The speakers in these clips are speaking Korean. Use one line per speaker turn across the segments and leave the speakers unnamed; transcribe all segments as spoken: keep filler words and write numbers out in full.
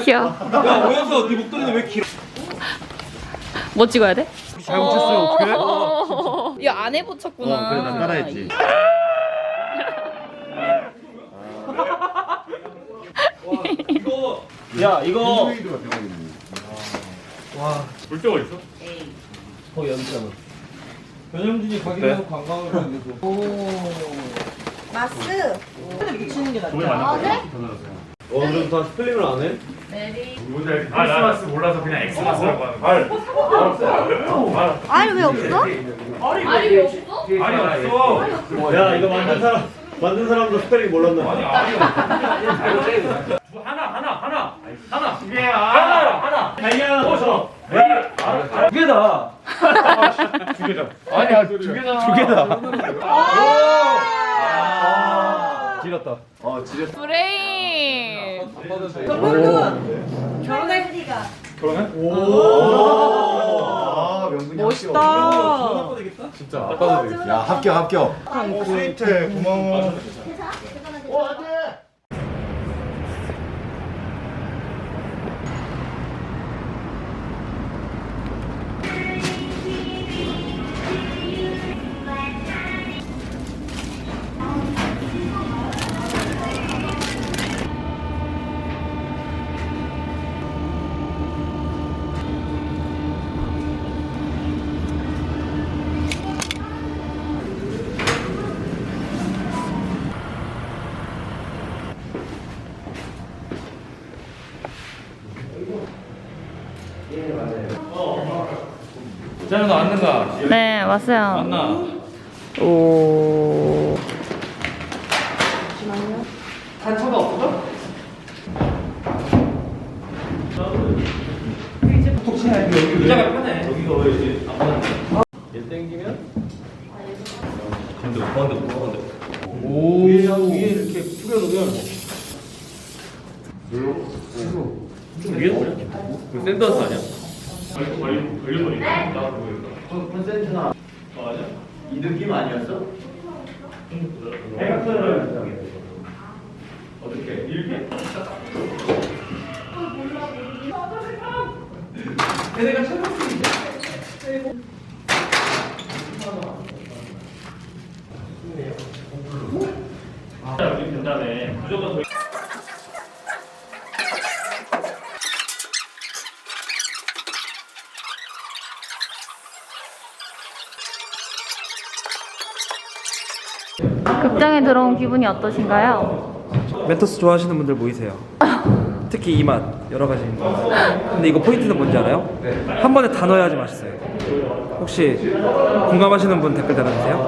귀여워.
야 오연서 네 목도리는 왜 길어?
뭐 찍어야 돼?
잘 붙였어요 어떡해?
야 안에 붙였구나.
어, 그래 난 따라했지.
이거 야 이거
물병 어디 있어?
어 여기 있잖아. 변영준이 가기로 관광을 가는데도.
마스.
돈을 많이
어 그럼 다 스펠링을 안 해?
아, 크리스마스 몰라서 그냥 엑스마스라고 하는 말.
알 왜 없어?
알이 없어?
야 이거 만든 사람 만든 사람도 스펠링 몰랐나?
아니, 알이 없어. 하나, 하나, 하나. 하나. 두 개야. 하나, 하나.
달걀 어서.
두 개다. 두 개다. 아니야, 두 개다. 두 개다.
길었다.
어 지렸어.
브레인.
결혼할 리가.
그러네?
아 명분이
멋있다.
진짜 아빠도 되겠다.
야 합격 합격. 어 스위트 고마워.
자는 너 왔는가?
네 왔어요.
왔나?
오.
단차가 없어?
의자가 편해.
여기가 왜 이제 아빠는 얘 땡기면 건드 건드 건드. 오 위에 위에 이렇게 뿌려놓으면 좀 위에 버려? 그 샌드하우스 아니야?
걸리 걸리 걸리. 나
콘센트나 맞아? 이 느낌 아니었어? 해각선을 어떻게 이렇게? 내가 찾았는데.
아, 여기 된다네. 무조건 더.
극장에 들어온 기분이 어떠신가요?
멘토스 좋아하시는 분들 모이세요. 특히 이 맛 여러 가지 있는 거. 근데 이거 포인트는 뭔지 알아요? 한 번에 다 넣어야지 맛있어요. 혹시 공감하시는 분 댓글 달아주세요.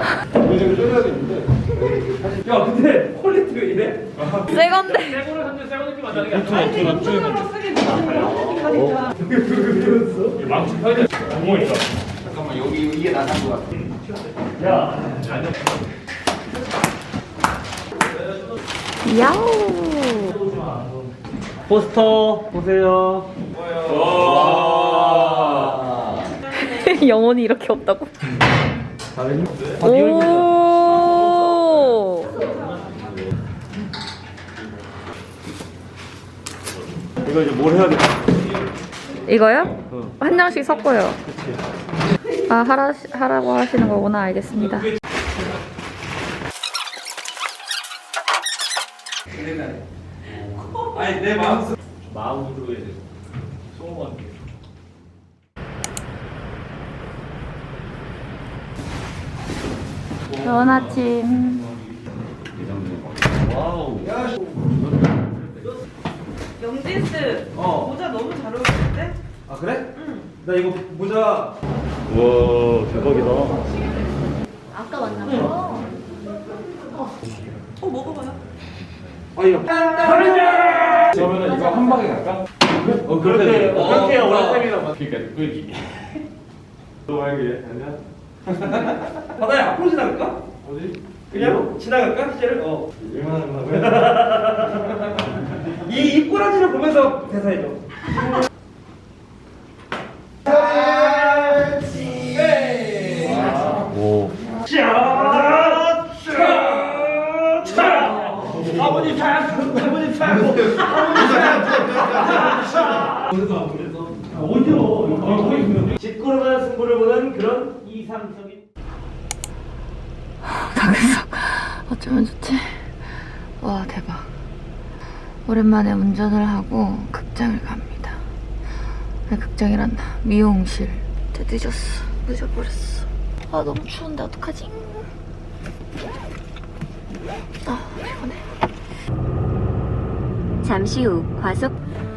야 근데 퀄리티가 이래?
새 건데.
새거를 산지 새거 느낌 안 나는 게
어?
아니야. 망치 편의점 구멍 있어.
잠깐만 여기 이게 나산 거 같아.
야, 앉아.
야우.
포스터 보세요.
와.
영혼이 이렇게 없다고?
다 네 얼굴이다.
오.
이거 이제 뭘 해야 돼?
이거요?
어.
한 장씩 섞어요. 아 하라 하라고 하시는 거구나. 알겠습니다.
아니 내 마음 마음으로 해야 돼. 소원한 게.
좋은 아침.
와우.
영진스.
어.
모자 너무 잘 어울리는데?
아 그래? 응. 나 이거 모자.
와, 대박이다.
아까 만나서.
어 먹어봐요.
아니요.
그러면은 이거 한 방에 갈까?
어 그렇게
어,
그렇게 해야
어.
오래 쌤이란 말.
그러니까 끄기.
너 말게 아니야? 바다야 앞으로 지나갈까? 어디? 그냥 지나갈까? 시제를 어. 이 입꼬라지를 보면서 대사해줘.
오.
짜! 짜! 짜! 아! 사모님 차, 사모님 차. 어디요? 짓고르는 승부를 보는 그런 이상적인.
강석 어쩌면 좋지? 와 대박. 오랜만에 운전을 하고 극장을 갑니다. 아니, 극장이란다. 미용실. 근데 늦었어. 늦어버렸어. 아 너무 추운데 어떡하지? 아 피곤해.
잠시 후 과속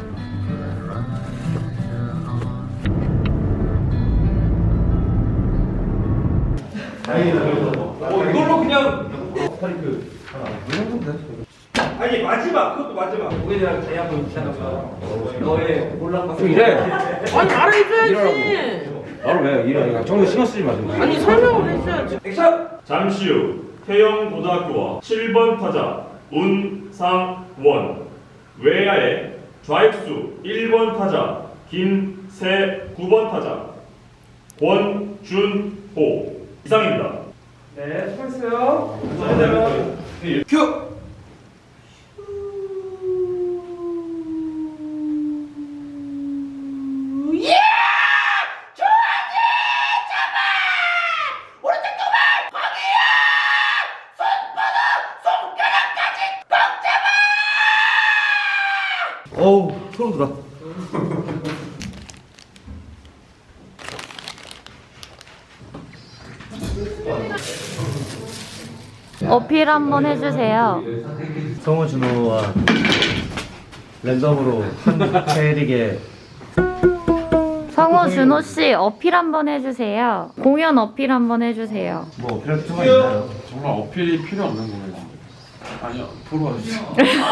어 이걸로 그냥 스파이크 하나. 아니 마지막 그것도 마지막.
그에 대한 제약을 있잖아. 너의 몰락과
이래.
아니 말해줘야지.
바로 왜 이래? 정도 신경 쓰지 마.
아니 설명을 해줘야지.
액션.
잠시 후 태영고등학교와 칠 번 타자 운상원, 외야의 좌익수 일 번 타자 김세, 구 번 타자 권준호 이상입니다.
네, 수고했어요.
큐.
어우, 소름 돋아.
어필 한번 해주세요.
성우 준호와 랜덤으로 한 캐릭에
성우 준호 씨 어필 한번 해주세요. 공연 어필 한번 해주세요.
뭐 필요할 필요가 있나요?
정말 어필이 필요 없는 거예요. 아니요, 보러 와주세요.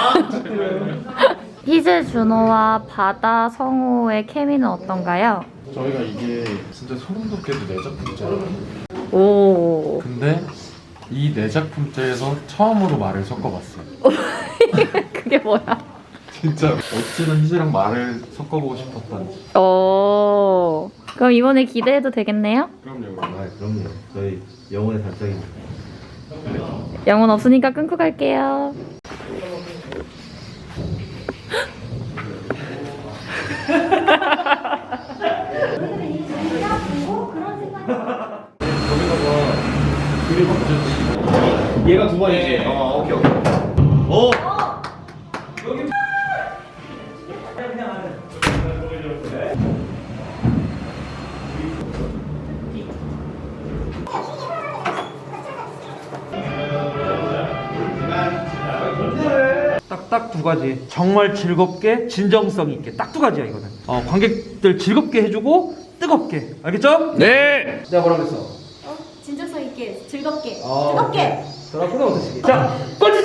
희재 준호와 바다 성우의 케미는 어떤가요?
저희가 이게 진짜 소름 돋게도 네 작품째예요.
오.
근데 이 네 작품째에서 처음으로 말을 섞어봤어요.
그게 뭐야?
진짜 어찌는 희재랑 말을 섞어보고 싶었던.
오. 그럼 이번에 기대해도 되겠네요?
그럼요.
아 그럼요. 저희 영혼의 단짝입니다.
영혼 없으니까 끊고 갈게요.
얘가 두 번이지. 어 오케이 오케이. 오.
딱딱 두 가지. 정말 즐겁게, 진정성 있게. 딱 두 가지야 이거는. 어, 관객들 즐겁게 해주고 뜨겁게. 알겠죠?
네.
내가 뭐라 그랬어?
진정성 있게 즐겁게
아,
뜨겁게
저랑 끊어 어떠시게? 자, 꼴찌!